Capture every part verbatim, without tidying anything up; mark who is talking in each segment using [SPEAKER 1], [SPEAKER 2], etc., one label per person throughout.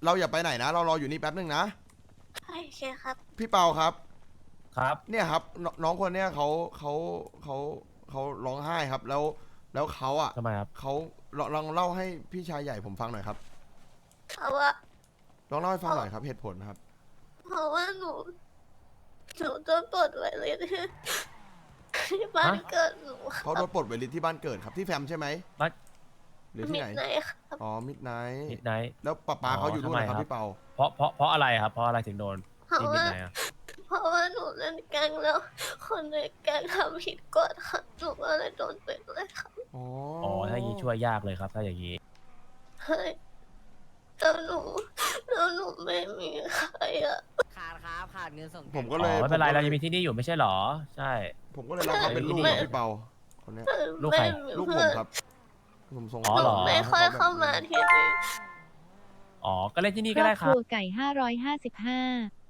[SPEAKER 1] เราอย่าไปไหนนะเรารออยู่นี่แป๊บนึงนะ
[SPEAKER 2] โอเคครับ
[SPEAKER 1] พี่เปาครับ
[SPEAKER 3] ครับ
[SPEAKER 1] เนี่ยครับนน้องคนเนี้ยเขาเขาเขาเขาร้องไห้ครับ แล้วแล้วเขาอ่ะ
[SPEAKER 3] ทำไมครับ
[SPEAKER 1] เขาลองลองเล่าให้พี่ชายใหญ่ผมฟังหน่อยครับ
[SPEAKER 2] เพราะว่า
[SPEAKER 1] ลองเล่าให้ฟังหน่อยครับเหตุผลครับ
[SPEAKER 2] เพราะว่าหนูหนูโดนปลดไว้เลยที่ที่บ้าน
[SPEAKER 3] ฮะ
[SPEAKER 2] เกิดหนูครั
[SPEAKER 1] เขาโดนปลดเวลิตที่บ้านเกิดครับที่แฟมใช่ไหม
[SPEAKER 3] บ้าน
[SPEAKER 1] หรือที่ไหน
[SPEAKER 2] มิดไนท์ครับ
[SPEAKER 1] อ๋อมิดไนท์
[SPEAKER 3] มิดไนท์
[SPEAKER 1] แล้วป้าป้า
[SPEAKER 3] อ๋อ
[SPEAKER 1] เขาอยู่ด้วย
[SPEAKER 3] ทำไม
[SPEAKER 1] นะครับ
[SPEAKER 3] ครับ
[SPEAKER 1] พี่เปา
[SPEAKER 3] เพราะเพราะเพราะอะไรครับ เพราะอะไรถึงโดน
[SPEAKER 2] เพราะ
[SPEAKER 3] ที่มิด
[SPEAKER 2] ว่า
[SPEAKER 3] ไนท์อะ
[SPEAKER 2] เพราะว่าหนูเล่นแก๊งแล้ว คนในแก๊งทำผิดกฎค่ะหนูก็เลยโดนเป็นเลยค่ะ
[SPEAKER 1] อ๋อ
[SPEAKER 3] อ๋อถ้าอย่างนี้ช่วยยากเลยครับ ถ้าอย่างนี้
[SPEAKER 2] เฮ้ยแล้วหนูแล้วหนูไม่มีใครอ่ะ
[SPEAKER 4] ขาดครับขาดเงินส่ง
[SPEAKER 1] ผมก็
[SPEAKER 3] อ๋
[SPEAKER 1] เลย
[SPEAKER 3] อไม่เป็นไร
[SPEAKER 1] ผก็
[SPEAKER 3] เรา
[SPEAKER 1] ล
[SPEAKER 3] ยังมีที่นี่อยู่ไม่ใช่หรอ ใช่
[SPEAKER 1] ผมก็เลยรับเขาเป็นลูก
[SPEAKER 3] ไม่
[SPEAKER 1] ครับพี่เปาคนเนี้ย
[SPEAKER 3] ลูกใคร
[SPEAKER 2] ไม่มี
[SPEAKER 1] ลูกผ
[SPEAKER 2] เพื่
[SPEAKER 1] ม
[SPEAKER 2] อน
[SPEAKER 1] ครับผมส่ง
[SPEAKER 3] อ๋อ
[SPEAKER 2] ห
[SPEAKER 3] เหร
[SPEAKER 2] นู
[SPEAKER 3] อ
[SPEAKER 2] ไม่ค่อยเข้ามาที่นี่
[SPEAKER 3] อ๋อ ก็เล่นที่นี่
[SPEAKER 5] ค
[SPEAKER 3] ก็
[SPEAKER 5] รอ
[SPEAKER 3] ได้
[SPEAKER 5] บ
[SPEAKER 3] ค
[SPEAKER 5] ค
[SPEAKER 3] รั
[SPEAKER 5] รั
[SPEAKER 3] บ
[SPEAKER 5] วไก่ห้าร้อยห้าสิบห้า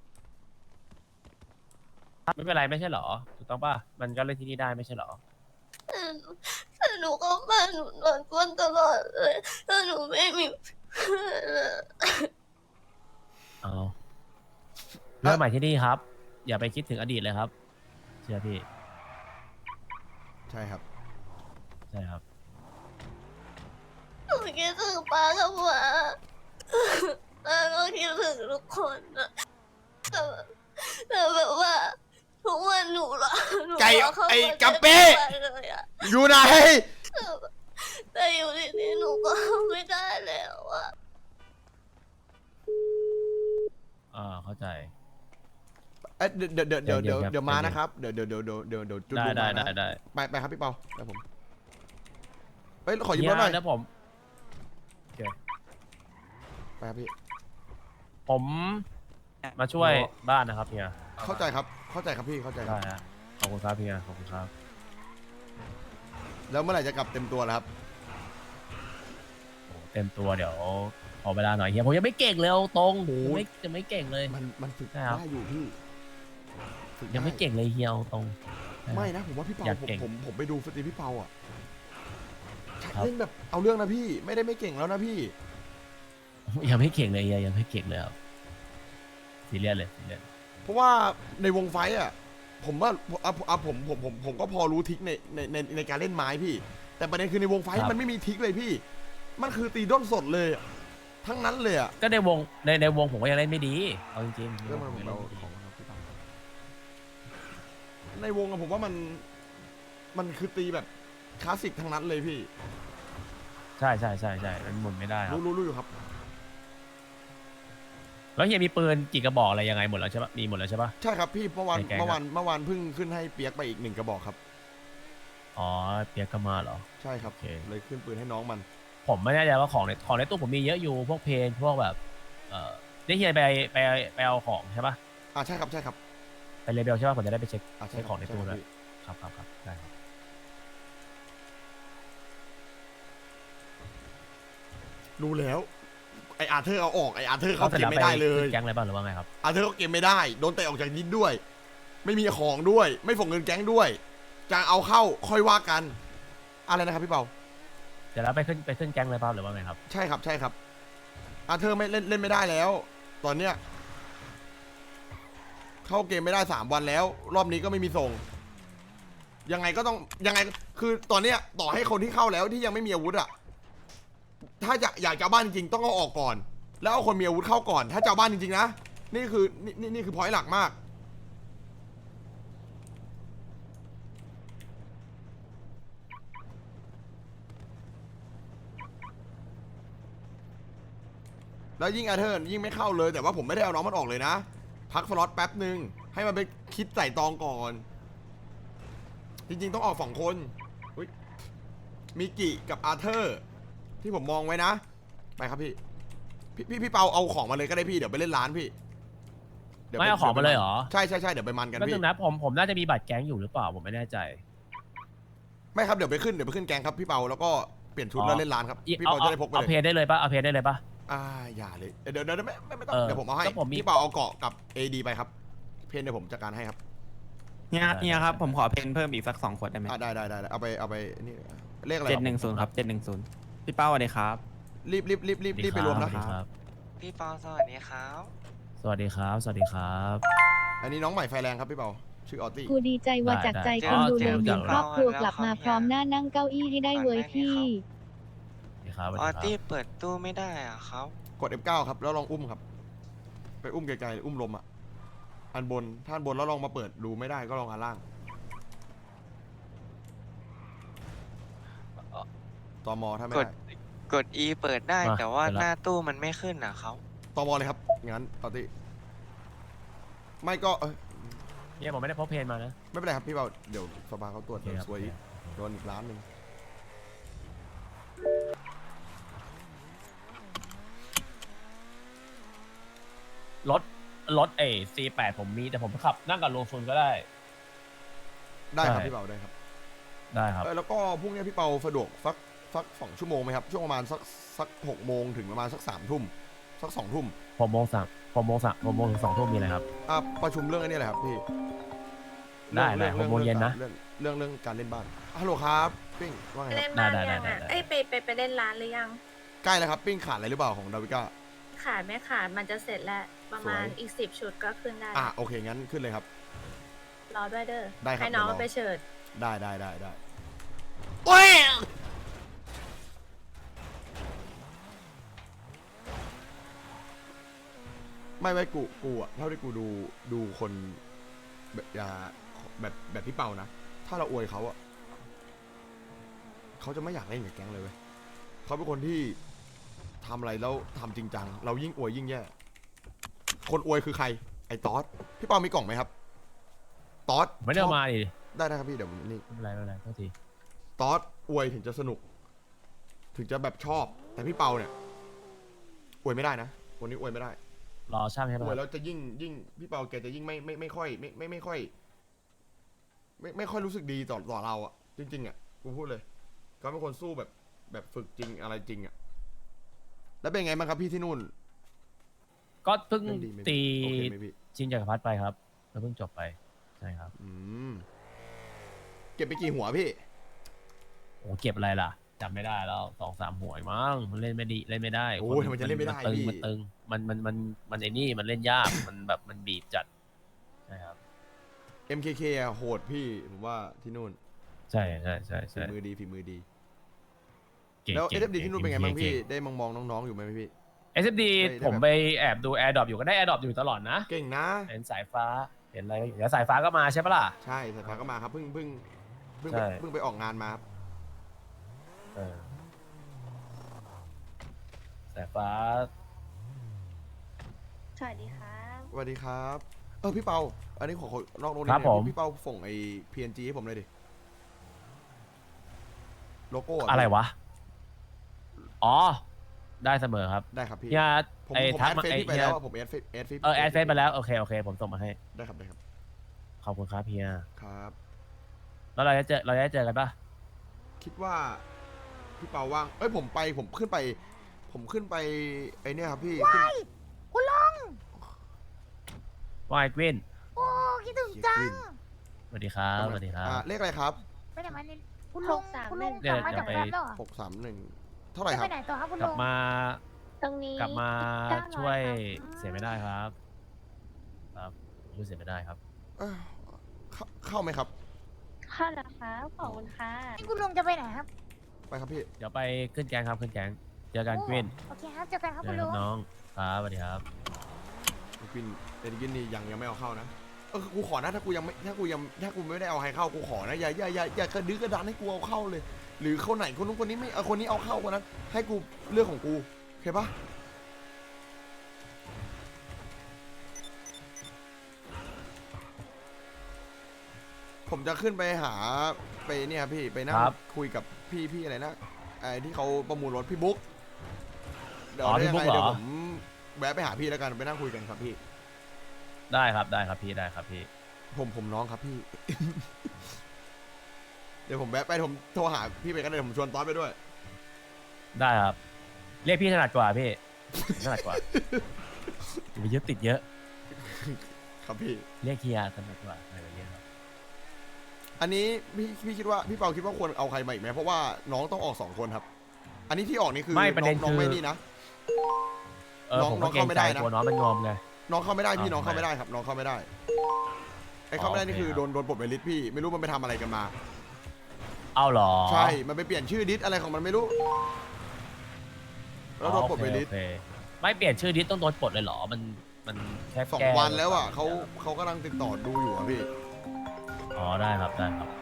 [SPEAKER 3] ไม่เป็นไรไม่ใช่หรอ ถูกต้องป่ะ มันก็เล่นที่นี่ได้ไม่ใช่หรอ
[SPEAKER 2] แต่หนูแต่หนูก็มาหนูโดนกวนตลอดเลยแล้วหนูไม่มีเพื่อนอะ
[SPEAKER 3] เอาเริ่มใหม่ที่นี่ครับ อย่าไปคิดถึงอดีตเลยครับ เชื่อพี่
[SPEAKER 1] ใช่ครับ
[SPEAKER 3] ใช่ครับ
[SPEAKER 2] หนูคิดถึงป้ากับหมาแล้วก็คิดถึงทุกคนอะแต่แบบแต่แบบว่าทุกวันหนูละหนู
[SPEAKER 1] ไก่
[SPEAKER 2] รเข้า
[SPEAKER 1] ไอ้
[SPEAKER 2] มา
[SPEAKER 1] กัปปี้
[SPEAKER 2] เจ็บเลยอะ
[SPEAKER 1] อยู่ไหน
[SPEAKER 2] แต่แบบแต่อยู่ที่นี่หนูก็ไม่ได้แล้วอะ
[SPEAKER 3] อ่า เข้าใจ
[SPEAKER 1] เอ้ยเดี๋ยวเดี๋ยวเดี๋ยวเดี๋ยว
[SPEAKER 3] เดี๋
[SPEAKER 1] เดี๋
[SPEAKER 3] ย
[SPEAKER 1] ยว วมา
[SPEAKER 3] เดี๋ยว
[SPEAKER 1] นะครับเดี๋ยวเดี๋ยวเดี๋ยวเดี๋ยวเดี๋ยวเดี๋ยวจุด
[SPEAKER 3] ได้
[SPEAKER 1] ลง
[SPEAKER 3] ได้
[SPEAKER 1] มา
[SPEAKER 3] ได้
[SPEAKER 1] นะ
[SPEAKER 3] ได้
[SPEAKER 1] ไปไปครับพี่เปาไปผมเฮ้ยขอยืมรถหน่อย
[SPEAKER 3] เดี๋ยวผมโอเค
[SPEAKER 1] ไปครับพี่
[SPEAKER 3] ผมมาช่วยบ้านนะครับเฮีย
[SPEAKER 1] เข้าใจครับเข้าใจครับพี่เข้าใจค
[SPEAKER 3] ได้
[SPEAKER 1] รับ
[SPEAKER 3] ฮะขอบคุณครับเฮียขอบคุณครับ
[SPEAKER 1] แล้วเมื่อไหร่จะกลับเต็มตัวแล้วครับ
[SPEAKER 3] โอ้เต็มตัวเดี๋ยวขอเวลาหน่อยเฮียผมยังไม่เก่งเลยเอาตรง
[SPEAKER 1] โอ้ย
[SPEAKER 3] ยังไม่ยังไม่เก่งเลย
[SPEAKER 1] มันมันฝึก
[SPEAKER 3] ใช่ครับ
[SPEAKER 1] ได้อยู่พี่ฝึก
[SPEAKER 3] ยังไม่
[SPEAKER 1] ด้
[SPEAKER 3] เก่งเลยเฮียเอาตรง
[SPEAKER 1] ไม่นะผมว่าพี่เปา
[SPEAKER 3] อยาก
[SPEAKER 1] ผม
[SPEAKER 3] เก่ง
[SPEAKER 1] ผมผมไปดูสตรีมพี่เปาอ่ะ
[SPEAKER 3] ครับ
[SPEAKER 1] เล่นแบบเอาเรื่องนะพี่ไม่ได้ไม่เก่งแล้วนะพี่
[SPEAKER 3] ยังไม่เก่งเลยเฮียยังไม่เก่งเลยครับซีเรียสเลยซีเรียส
[SPEAKER 1] เพราะว่าในวงไฟท์อ่ะผมว่าอ่ะอ่ะผมผมผมผมก็พอรู้ทริกในในในในการเล่นไม้พี่ แต่ประเด็นคือในวงไฟท์มันไม่มีทริกเลยพี่ มันคือตีด้นสดเลยอะทั้งนั้นเลยอ่ะ
[SPEAKER 3] ก็ในวงในในวงผมก็ยังเล่นไม่ดีเอาจริงๆ
[SPEAKER 1] เรื่องมัน
[SPEAKER 3] ผ
[SPEAKER 1] ผม
[SPEAKER 3] ยัง
[SPEAKER 1] เรา
[SPEAKER 3] เล่นไม่ดี
[SPEAKER 1] ของเราพี่เปาในวงอะผมว่ามันมันคือตีแบบคลาสสิกทั้งนั้นเลยพี่
[SPEAKER 3] ใช่ใช่ใช่ใช่มันหมุนไม่ได้ครับ
[SPEAKER 1] รู้รู้รู้อยู่ครับ
[SPEAKER 3] แล้วเฮียมีปืนกี่กระบอกอะไรยังไงหมดแล้วใช่ปะมีหมดแล้วใช่ปะ
[SPEAKER 1] ใช่ครับพี่เมื่อวาน
[SPEAKER 3] ในแก๊งอะ
[SPEAKER 1] เมื่อวานเมื่อวานเพิ่งขึ้นให้เปียกไปอีกหนึ่งกระบอกครับ
[SPEAKER 3] อ๋อเปียกก็มาเหรอ
[SPEAKER 1] ใช่ครับ
[SPEAKER 3] โอเค
[SPEAKER 1] เลยขึ้นปืนให้น้องมัน
[SPEAKER 3] ผมไม่แน่ใจว่าของในของในตู้ผมมีเยอะอยู่พวกเพลงพวกแบบ เอ่อได้เฮียไปไปไปเอาของใช่ปะ
[SPEAKER 1] อ่าใช่ครับใช่ครับ
[SPEAKER 3] ไปเลเบลใช่ปะผมจะได้ไปเช็ค
[SPEAKER 1] อ่าใช่
[SPEAKER 3] เช็ค
[SPEAKER 1] ค
[SPEAKER 3] ข
[SPEAKER 1] รั
[SPEAKER 3] อบ งใน
[SPEAKER 1] ใช่
[SPEAKER 3] ตู้
[SPEAKER 1] ครับ
[SPEAKER 3] ด้วย
[SPEAKER 1] พี่
[SPEAKER 3] ครับครับครับได้ครับ
[SPEAKER 1] รู้แล้วไออาร์เธอร์เอาออกไออาร์เธอร์เขา
[SPEAKER 3] สร็จ
[SPEAKER 1] เก็บ
[SPEAKER 3] แล้ว
[SPEAKER 1] ไม่ได้เลย
[SPEAKER 3] ขึ้นแก๊งอะไรบ้างหรือว่าไงครับ
[SPEAKER 1] อาร์เธอร์เขาเก็บไม่ได้โดนเตะออกจากนิดด้วย ไม่มีของด้วย ไม่ส่งเงินแก๊งด้วยจะเอาเข้าค่อยว่ากัน อะไรนะครับพี่เปา
[SPEAKER 3] เดี๋ยวแล้วไปขึ้นไปขึ้นแก๊งอะไรบ้างหรือว่าไงครับ
[SPEAKER 1] ใช่ครับใช่ครับอาร์เธอร์ไม่เล่นเล่นไม่ได้แล้ว ตอนเนี้ยเข้าเกมไม่ได้สามวันแล้ว รอบนี้ก็ไม่มีส่ง ยังไงก็ต้องยังไงคือตอนเนี้ยต่อให้คนที่เข้าแล้วที่ยังไม่มีอาวุธอะถ้าจะอยากจะเอาบ้านจริงๆต้องเอาออกก่อน แล้วเอาคนมีอาวุธเข้าก่อน ถ้าจะเอาบ้านจริงๆนะนี่คือนี่นี่นี่คือพอยต์หลักมาก แล้วยิ่งอาร์เธอร์ยิ่งไม่เข้าเลยแต่ว่าผมไม่ได้เอาน้องมันออกเลยนะ พักสล็อตแป๊บหนึ่งให้มันไปคิดใส่ตองก่อน จริงๆต้องออกสองคนอุ๊ยมิกิกับอาร์เธอร์ที่ผมมองไว้นะ ไปครับพี่ พี่พี่พี่เปาเอาของมาเลยก็ได้พี่เดี๋ยวไปเล่นร้านพี่ดี๋ยว
[SPEAKER 3] ไม่เอาของมาเลยเหรอ
[SPEAKER 1] ใช่ใช่ใช่เดี๋ยวไปมันกัน
[SPEAKER 3] ก็
[SPEAKER 1] พี่
[SPEAKER 3] นึงนะผมผมน่าจะมีบัตรแก๊งอยู่หรือเปล่าผมไม่แน่ใจ
[SPEAKER 1] ไม่ครับเดี๋ยวไปขึ้นเดี๋ยวไปขึ้นแกงครับพี่เปาแล้วก็เปลี่ยนชุด
[SPEAKER 3] อ๋อ
[SPEAKER 1] แล้วเล่นร้านครับ
[SPEAKER 3] อี
[SPEAKER 1] พี่
[SPEAKER 3] เอา
[SPEAKER 1] เปา
[SPEAKER 3] เอา
[SPEAKER 1] จะได้พกไป
[SPEAKER 3] เอา
[SPEAKER 1] เล
[SPEAKER 3] เพ
[SPEAKER 1] ย
[SPEAKER 3] จได้เลยปะเอาเพจได้เลยปะ
[SPEAKER 1] อ่าอย่าเลยเดี๋ยวเดี๋ยวไม่ไม่ไม่ต้อง
[SPEAKER 3] เออ
[SPEAKER 1] เดี๋ยวผมเอาให้
[SPEAKER 3] ก็ผมมี
[SPEAKER 1] พี่เปาเอาเกาะกับ เอ ดี ไปครับเพนเดี๋ยวผมจัดการให้ครับ
[SPEAKER 6] เนี่ยเนี่ยครับผมขอเพนเพิ่มอีกสักสองขวดได้ไหม
[SPEAKER 1] อ่าได้ได้ได้ได้เอาไปเอาไปนี่เลขอะไร
[SPEAKER 6] เจ็ดหนึ่งศูนย์ครับเจ็ดหนึ่งศูนย์พี่เป้าสวัสดีครับ
[SPEAKER 1] รีบรีบรีบรีบรีบไปรวมนะ
[SPEAKER 3] สวัสดีครับ
[SPEAKER 7] พี่เปาสวัสดีครับ
[SPEAKER 3] สวัสดีครับ สวัสดีครับ
[SPEAKER 1] อันนี้น้องใหม่ไฟแรงครับพี่เปาชื่อออตตี้
[SPEAKER 5] กูดีใจว่าจากใจ
[SPEAKER 3] ได้
[SPEAKER 5] คนดู
[SPEAKER 3] ได้
[SPEAKER 5] แลหนึ่ง
[SPEAKER 3] ได้
[SPEAKER 5] ครอบครัวกลับมาพร้อมหน้านั่งเก้าอี้ให้ได้เว้ยพี่
[SPEAKER 3] สวัสดีครับ สวัส
[SPEAKER 7] ออ
[SPEAKER 3] ดีค
[SPEAKER 7] ตี้
[SPEAKER 3] รับ
[SPEAKER 7] เปิดตู้ไม่ได้อะครับ
[SPEAKER 1] กด เอฟ เก้า ครับแล้วลองอุ้มครับ ไปอุ้มไกลๆอุ้มลมอ่ะอันบนถ้าอันบนแล้วลองมาเปิดดูไม่ได้ก็ลองอันล่างตมถ้าไม่
[SPEAKER 7] ก
[SPEAKER 1] ได้
[SPEAKER 7] ด กด E เปิดได้
[SPEAKER 3] มา
[SPEAKER 7] แต่ว่า
[SPEAKER 3] เปิดละ
[SPEAKER 7] หน้าตู้มันไม่ขึ้นอะครับ
[SPEAKER 1] ตมเลยครับงั้นออตตี้ไม่ก็เอ้ย
[SPEAKER 3] เนี่ยผมไม่ได้พกเพนมานะ
[SPEAKER 1] ไม่เป็นไรครับพี่เปาเดี๋ยวสภาเขาตรวจ
[SPEAKER 3] โอเค
[SPEAKER 1] เดี๋ยว
[SPEAKER 3] ครับ
[SPEAKER 1] ซวยอีกโดนอีกล้านหนึ่ง
[SPEAKER 3] รถ รถเอซีแปดผมมีแต่ผมขับ นั่งกับโลฟุนก็ได้
[SPEAKER 1] ได้ครับ
[SPEAKER 3] ใช่
[SPEAKER 1] พี่เปาได้ครับ
[SPEAKER 3] ได้ครับ
[SPEAKER 1] เออแล้วก็พรุ่งนี้พี่เปาสะดวกสักสักสองชั่วโมงไหมครับช่วงประมาณสักสักหกโมงถึงประมาณสักสามทุ่มสักสองทุ่ม
[SPEAKER 3] ผมโมงสามผมโมงสามผมโมงถึงสองทุ่มมีอะไรครับ
[SPEAKER 1] อ่ะประชุมเรื่องไอ้นี่แหละครับพี่
[SPEAKER 3] ได้ได้
[SPEAKER 1] เรื่อง
[SPEAKER 3] หกโมงเย็นนะ
[SPEAKER 1] เรื่องเรื่องเรื่องการเล่นบ้านฮัลโหลครับปิ้งว่าไงค
[SPEAKER 8] เล่
[SPEAKER 1] รับ
[SPEAKER 8] นบ้าน
[SPEAKER 3] ได้ได้
[SPEAKER 8] ยัง
[SPEAKER 3] ได้
[SPEAKER 8] อ่ะ
[SPEAKER 3] ได้
[SPEAKER 8] เอ้ยไปไปไปเล่นร้านหรือยัง
[SPEAKER 1] ใกล้แล้วครับปิ้งขาดอะไรหรือเปล่าของดาวิก้า
[SPEAKER 8] ขาดไม่ขาดมันจะเสร็จแล้ว ประมาณ
[SPEAKER 1] สวย
[SPEAKER 8] อีกสิบชุดก็ขึ้นได้
[SPEAKER 1] อ่ะโอเคงั้นขึ้นเลยครับ
[SPEAKER 8] รอด้วยเด้อ
[SPEAKER 1] ได้ครับ
[SPEAKER 8] ให้น้อง
[SPEAKER 1] เดี๋ยวรอ
[SPEAKER 8] ไปเฉิด
[SPEAKER 1] ได้ได้ได้ได้โอ้ยไม่ไม่กูกูอะเท่าที่กูดูดูคนแบบอ่าแบบแบบพี่เปานะ ถ้าเราอวยเขาอะเขาจะไม่อยากเล่นกับแก๊งเลยเว้ยเขาเป็นคนที่ทำอะไรแล้วทำจริงจัง เรายิ่งอวยยิ่งแย่ คนอวยคือใคร ไอ้ตอสพี่เปามีกล่องไหมครับตอส
[SPEAKER 3] ไม่ได้เอามาดิ
[SPEAKER 1] ได้ได้ครับพี่เดี๋ยวผมนี่
[SPEAKER 3] ไม่เป็นไรไม่เป็นไรโทษที
[SPEAKER 1] ตอสอวยถึงจะสนุก ถึงจะแบบชอบ แต่พี่เปาเนี่ยอวยไม่ได้นะคนนี้อวยไม่ได้
[SPEAKER 3] รอช่างใช่
[SPEAKER 1] อ
[SPEAKER 3] ปะ
[SPEAKER 1] วยแล้วจะยิ่งยิ่งพี่เปาแกจะยิ่งไม่ไม่ไม่ค่อยไม่ไม่ไม่ค่อย ไม่ไม่ค่อยรู้สึกดีต่อต่อเราอะจริงๆอะกูพูดเลยเขาเป็นคนสู้แบบแบบฝึกจริงอะไรจริงอะแล้วเป็นไงบ้างครับพี่ที่นู่น
[SPEAKER 3] ก็เพิ่ง
[SPEAKER 1] เล่นดีไหม
[SPEAKER 3] ตี
[SPEAKER 1] โอเคไหมพี่
[SPEAKER 3] ชิงจักรพรรดิไปครับแล้วเพิ่งจบไปใช่ครับ
[SPEAKER 1] อืมเก็บไปกี่หัวพี่
[SPEAKER 3] โอ้เก็บอะไรล่ะจำไม่ได้แล้วสองสามหัวเองมั้งมันเล่นไม่ดีเล่นไม่ได้
[SPEAKER 1] โอ้ยทำไมจะเล่นไม่ได้
[SPEAKER 3] ตึง
[SPEAKER 1] พี่
[SPEAKER 3] มันตึงมันมันมันมันไอ้นี่มันเล่นยากมันแบบมันบีบจัดใช่ครับ
[SPEAKER 1] เอ็ม เค เค อะโหดพี่ผมว่าที่นู่น
[SPEAKER 3] ใช่ใช่ใช่
[SPEAKER 1] ฝี
[SPEAKER 3] ใช่
[SPEAKER 1] มือดีฝีมือดี
[SPEAKER 3] เก่ง
[SPEAKER 1] แล้ว
[SPEAKER 3] เก่
[SPEAKER 1] เอง สเอ็มดีที่นู่นเป็นไงบ้างพี่
[SPEAKER 3] เก่
[SPEAKER 1] ได้มองมองน้องๆอยู่ไหมพี่
[SPEAKER 3] เอสเอ็มดี
[SPEAKER 1] ได้ได้
[SPEAKER 3] ผม
[SPEAKER 1] แบบ
[SPEAKER 3] ไปแอบดูแอร์ดรอปอยู่ก็ได้แอร์ดรอปอยู่ตลอดนะ
[SPEAKER 1] เก่งนะ
[SPEAKER 3] เห็นสายฟ้าเห็นอะไรก็อยู่แล้วสายฟ้าก็มาใช่ปะล่ะ
[SPEAKER 1] ใช่สายฟ้าก็มาครับเพิ่งเพิ่งเพิ่ง
[SPEAKER 3] ใช่
[SPEAKER 1] เพิ่งไปออกงานมาครับ
[SPEAKER 3] เออสายฟ้า
[SPEAKER 2] สวัสดีครับ
[SPEAKER 1] สวัสดีครับเออพี่เปาอันนี้ขอขอนอกโรงเรี
[SPEAKER 3] ครับ
[SPEAKER 1] น
[SPEAKER 3] ผม
[SPEAKER 1] พี่เปาส่งไอ้ พี เอ็น จี ให้ผมเลยดิโลโก้
[SPEAKER 3] อะไรวะอ๋อได้เสมอครับ
[SPEAKER 1] ได้ครับพี่
[SPEAKER 3] พี่อาร์ต
[SPEAKER 1] ผม
[SPEAKER 3] ไอ้
[SPEAKER 1] ผม
[SPEAKER 3] ทัก
[SPEAKER 1] แอด
[SPEAKER 3] มา
[SPEAKER 1] เฟซ
[SPEAKER 3] ไอ้
[SPEAKER 1] พี่ไป
[SPEAKER 3] พี่
[SPEAKER 1] แล้ว
[SPEAKER 3] อาร์ต
[SPEAKER 1] อะผมแอดเฟซแอดเฟซ
[SPEAKER 3] เออแอดเฟซไปแล้วโอเคโอเคผมส่งมาให้
[SPEAKER 1] ได้ครับได้ครับ
[SPEAKER 3] ขอบคุณครับพี่อาร์
[SPEAKER 1] ครับ
[SPEAKER 3] แล้วเราจะเจอเราจะเจอกันปะ
[SPEAKER 1] คิดว่าพี่เปาว่างเอ้ยผมไปผมขึ้นไป ผมขึ้นไปไอเนี่ยครับพี่ขึ้น
[SPEAKER 8] คุณลง
[SPEAKER 3] ว่าไอ้กวิน
[SPEAKER 8] โอ้คิดถึง
[SPEAKER 1] เฮีย
[SPEAKER 8] จั
[SPEAKER 1] ก
[SPEAKER 8] ง
[SPEAKER 1] วิน
[SPEAKER 3] สวัสดีครับสวัสดีครับ
[SPEAKER 1] อ่าเลขอะไรครับ
[SPEAKER 8] ไปไหนมาเนี่ยคุณลง
[SPEAKER 2] หกสาม
[SPEAKER 8] คุณลง
[SPEAKER 3] หนึ่
[SPEAKER 8] ก
[SPEAKER 3] ง
[SPEAKER 8] ลับมา
[SPEAKER 3] เดี๋ยว
[SPEAKER 8] จาก
[SPEAKER 3] ไป
[SPEAKER 8] แฟมแล้วเหรอ
[SPEAKER 1] หกสามหนึ่งเท่าไหร่ค
[SPEAKER 8] จะ
[SPEAKER 1] รั
[SPEAKER 8] ไป
[SPEAKER 1] บ
[SPEAKER 8] ไหนต่อครับคุณ
[SPEAKER 3] ก
[SPEAKER 8] ล
[SPEAKER 3] ลับ
[SPEAKER 8] ง
[SPEAKER 3] มา
[SPEAKER 2] ตรงนี้
[SPEAKER 3] กลับมา
[SPEAKER 2] เก้าร้อย
[SPEAKER 3] ช่วย
[SPEAKER 2] ครับ
[SPEAKER 3] เสียไม่ได้ครับครับช่วยเสียไม่ได้ครับ
[SPEAKER 1] เอ้ยเข้าเข้าไหมครับ
[SPEAKER 2] ค่ะเหรอครับขอบคุณค่ะ
[SPEAKER 8] นี่คุณลงจะไปไหนครับ
[SPEAKER 1] ไปครับพี่
[SPEAKER 3] เดี๋ยวไปขึ้นแกงครับขึ้นแกงเจอกันกวิน
[SPEAKER 8] โอเคครับเจอกันครับ
[SPEAKER 3] เจ
[SPEAKER 8] คุ
[SPEAKER 3] อ
[SPEAKER 8] ณ
[SPEAKER 3] กั
[SPEAKER 8] ลุ
[SPEAKER 3] น
[SPEAKER 8] ง
[SPEAKER 3] น้องครับสวัสดีครับ
[SPEAKER 1] กวินเอ็นกินนี่ยังยังไม่เอาเข้านะเออกูขอนะถ้ากูยังไม่ถ้ากูยังถ้ากูไม่ได้เอาใครเข้ากูขอนะอย่าอย่าอย่าอย่ากระดื้อกระดานให้กูเอาเข้าเลย หรือคนไหนคนนู้นคนนี้ไม่เอาคนนี้เอาเข้าคนนั้นให้กูเรื่องของกูโอเคปะผมจะขึ้นไปหาไปเนี่ยครับพี่ไปนั่ง
[SPEAKER 3] ครับ
[SPEAKER 1] คุยกับพี่พี่อะไรนะไอ้ที่เขาประมูลรถพี่บุ๊กเดี๋ยว
[SPEAKER 3] อ๋อ
[SPEAKER 1] ได้ยัง
[SPEAKER 3] พี่บุ๊
[SPEAKER 1] ไง
[SPEAKER 3] กเหรอ
[SPEAKER 1] เดี๋ยวผมแวะไปหาพี่แล้วกันไปนั่งคุยกันครับพี่
[SPEAKER 3] ได้ครับได้ครับพี่ได้ครับพี่
[SPEAKER 1] ผมผมน้องครับพี่ เดี๋ยวผมแวะไปผมโทรหาพี่ไปกันเลยผมชวนตอนไปด้วย
[SPEAKER 3] ได้ครับ เรียกพี่ถนัดกว่าพี่ถนัดกว่าอย่าไปยึดติดเยอะ
[SPEAKER 1] ครับพี่
[SPEAKER 3] เรียกเฮียถนัดกว่าอะไรแบบนี้ครับ
[SPEAKER 1] อันนี้พี่พี่คิดว่าพี่เปาคิดว่าควรเอาใครมาอีกไหมเพราะว่าน้องต้องออกสองคนครับ อันนี้ที่ออกนี่คือ
[SPEAKER 3] ไม่ประเด็น
[SPEAKER 1] น้องน้อง
[SPEAKER 3] คือ
[SPEAKER 1] ไม่นี่นะ
[SPEAKER 3] เออ
[SPEAKER 1] น้อง
[SPEAKER 3] ผม
[SPEAKER 1] น้
[SPEAKER 3] ก็
[SPEAKER 1] อง
[SPEAKER 3] เกรง
[SPEAKER 1] เข้าไม่
[SPEAKER 3] ใจ
[SPEAKER 1] ได้นะ
[SPEAKER 3] กลัวน้องมันงอมไง
[SPEAKER 1] น้องเข้าไม่ได้พี่
[SPEAKER 3] อ้าว
[SPEAKER 1] น้องเข้า
[SPEAKER 3] ทำไม
[SPEAKER 1] ไม่ได้ครับน้องเข้าไม่ได้ไอ้เข้าไม่ได้
[SPEAKER 3] อ๋อ
[SPEAKER 1] นี่คือ
[SPEAKER 3] โอเค
[SPEAKER 1] โดนโดนปลดไปลิสต์พี่ไม่รู้มันไปทำอะไรกันมา
[SPEAKER 3] เอาเหรอ
[SPEAKER 1] ใช่มันไปเปลี่ยนชื่อดิสอะไรของมันไม่รู้แล้วโดนปลดไปลิสต์
[SPEAKER 3] โอเคไม่เปลี่ยนชื่อดิสต้องโดนปลดเลยเหรอมันมันแค่
[SPEAKER 1] สอง
[SPEAKER 3] แก้
[SPEAKER 1] วันแล้วอ่ะเขาเขากำลังติดต่อดูอยู่อ่ะพี่
[SPEAKER 3] อ๋อได้ครับได้ครับ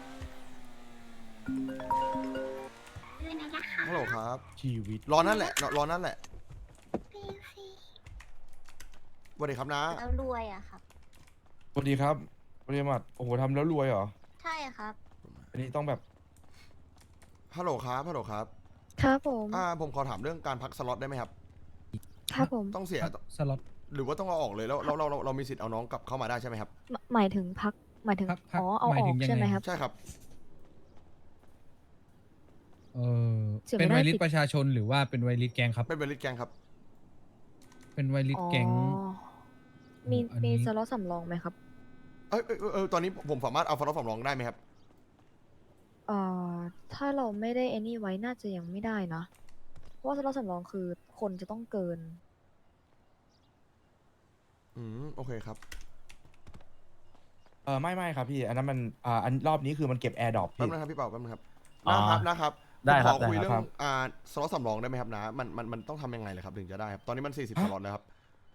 [SPEAKER 1] ฮัลโหลครับ
[SPEAKER 6] ชีวิต
[SPEAKER 1] รอนั่นแหละรอรอนั่นแหละ
[SPEAKER 2] พี่พี่
[SPEAKER 1] สวัสดีครับนะ
[SPEAKER 2] แล้วรวยอะครับ
[SPEAKER 9] สวัสดีครับบริมัดโอ้โหทำแล้วรวยเหรอ
[SPEAKER 2] ใช่ครับ
[SPEAKER 9] อันนี้ต้องแบบ
[SPEAKER 1] ฮัลโหลครับฮัลโหลครับ
[SPEAKER 5] ครับผม
[SPEAKER 1] อ่าผมขอถามเรื่องการพักสล็อตได้ไหมครับ
[SPEAKER 5] ครับผม
[SPEAKER 1] ต้องเสีย
[SPEAKER 10] สล็อต
[SPEAKER 1] หรือว่าต้องเอาออกเลยแล้วเราเราเราเรามีสิทธิ์เอาน้องกลับเข้ามาได้ใช่ไหมครับ
[SPEAKER 5] หมหมายถึงพัก หมายถึง
[SPEAKER 10] พักพัก
[SPEAKER 5] อ๋อ เอา
[SPEAKER 10] หมาย
[SPEAKER 5] ออ
[SPEAKER 10] ถึ
[SPEAKER 5] ก
[SPEAKER 10] งยังไง
[SPEAKER 5] ใช่ไหมครับ
[SPEAKER 1] ใช่ครับ
[SPEAKER 10] เออ
[SPEAKER 5] เสียไม่
[SPEAKER 10] เป็น
[SPEAKER 5] ได้
[SPEAKER 10] ไวริส
[SPEAKER 5] สิ
[SPEAKER 10] ประชาชนหรือว่าเป็นไวริสแกงครับ
[SPEAKER 1] เป็นเบลลิสแกงครับ
[SPEAKER 10] เป็นไวริส
[SPEAKER 5] อ๋อ
[SPEAKER 10] แกง
[SPEAKER 5] มี
[SPEAKER 10] อัน
[SPEAKER 5] มี
[SPEAKER 10] นี้
[SPEAKER 5] สล็อตสำรองไหมครับ
[SPEAKER 1] เอยเอยเอยเอยตอนนี้ผมสามารถเอาฟลอตสำรองได้ไหมครับ
[SPEAKER 5] เอ่อ ถ้าเราไม่ได้ any ไว้น่าจะยังไม่ได้นะ เพราะว่าสล็อตสำรองคือคนจะต้องเกิน
[SPEAKER 1] อืมโอเคครับ
[SPEAKER 9] เออไม่ไม่ครับพี่ อันนั้นมันอ่าอันรอบนี้คือมันเก็บแอร์ดรอป
[SPEAKER 1] แป๊บ
[SPEAKER 9] พี่
[SPEAKER 1] นึงครับพี่เป่าแป๊บนึงครับ
[SPEAKER 3] อ๋อ
[SPEAKER 1] นะครับนะครับ
[SPEAKER 3] ได้ครับ
[SPEAKER 1] ผมขอคุย
[SPEAKER 3] ได้
[SPEAKER 1] เรื่
[SPEAKER 3] ค
[SPEAKER 1] อ
[SPEAKER 3] รับ
[SPEAKER 1] งอ่าสล็อตสำรองได้ไหมครับนะมันมันมันต้องทำยังไงเลยครับถึงจะได้ครับตอนนี้มันสี่สิบสล็อตแล้วครับ